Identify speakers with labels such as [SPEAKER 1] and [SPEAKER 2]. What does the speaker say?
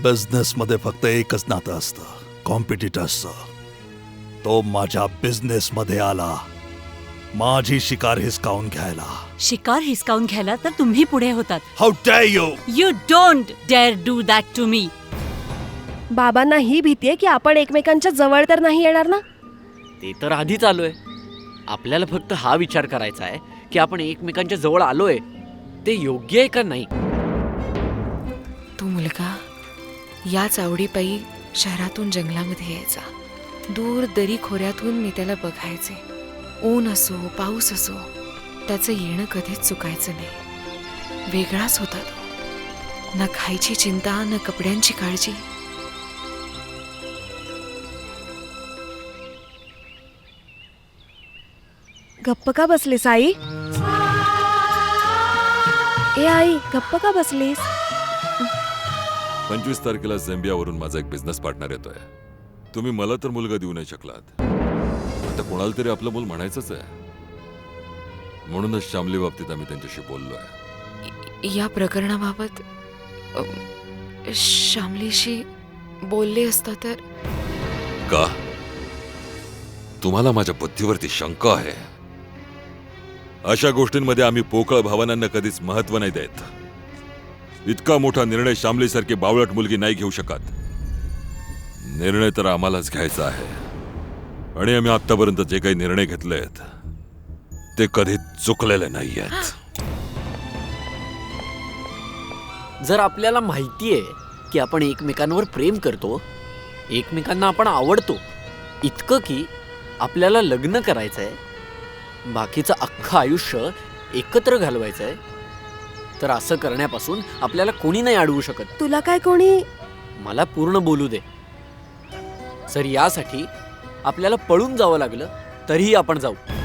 [SPEAKER 1] Business मध्ये फक्त एकच नातं असतं, कॉम्पिटिटर्सचं. तो माझ्या बिझनेस मध्ये आला, माझी शिकार हिसकावून घ्यायला.
[SPEAKER 2] शिकार हिसकावून घ्यायला तर तुम्ही पुढे होतात.
[SPEAKER 1] How dare you!
[SPEAKER 2] You don't dare do that to me.
[SPEAKER 3] बाबांना ही भीती आहे की आपण एकमेकांच्या जवळ तर नाही येणार ना.
[SPEAKER 4] ते तर आधीच आलोय. आपल्याला फक्त हा विचार करायचा आहे की आपण एकमेकांच्या जवळ आलोय ते योग्य आहे का नाही.
[SPEAKER 5] तो मुलगा याच आवडीपायी शहरातून जंगलामध्ये यायचा. दूर दरी खोऱ्यातून मी त्याला बघायचे. ऊन असो पाऊस असो त्याचं येणं कधीच चुकायचं नाही. वेगळाच होता तो. ना खायची चिंता ना कपड्यांची काळजी.
[SPEAKER 3] गप्प का बसलीस आई? ए आई, गप्प का बसलीस?
[SPEAKER 6] 25 तारखेला झेंबियावरून माझा एक बिझनेस पार्टनर येतोय. तुम्ही मला तर मुलगा देऊ नाही शकलात, आता कोणाला तरी आपलं मूल म्हणायचंच आहे. म्हणूनच श्यामली बाबतीत आम्ही त्यांच्याशी बोललोय.
[SPEAKER 5] या प्रकरणाबाबत श्यामलीशी बोलले असता तर.
[SPEAKER 6] का तुम्हाला माझ्या बुद्धीवरती शंका आहे? अशा गोष्टींमध्ये आम्ही पोकळ भावनांना कधीच महत्व नाही देत. इतका मोठा निर्णय श्यामलीसारखी बावळट मुलगी नाही घेऊ शकत. निर्णय तर आम्हालाच घ्यायचा आहे, आणि आम्ही आतापर्यंत जे काही निर्णय घेतलेत ते कधी चुकलेले नाहीयेत.
[SPEAKER 4] जर आपल्याला माहिती आहे की आपण एकमेकांवर प्रेम करतो, एकमेकांना आपण आवडतो, इतकं की आपल्याला लग्न करायचंय, बाकीचं अख्खं आयुष्य एकत्र घालवायचंय, तर असं करण्यापासून आपल्याला कोणी नाही अडवू शकत.
[SPEAKER 3] तुला काय कोणी?
[SPEAKER 4] मला पूर्ण बोलू दे. जर यासाठी आपल्याला पळून जावं लागलं तरीही आपण जाऊ.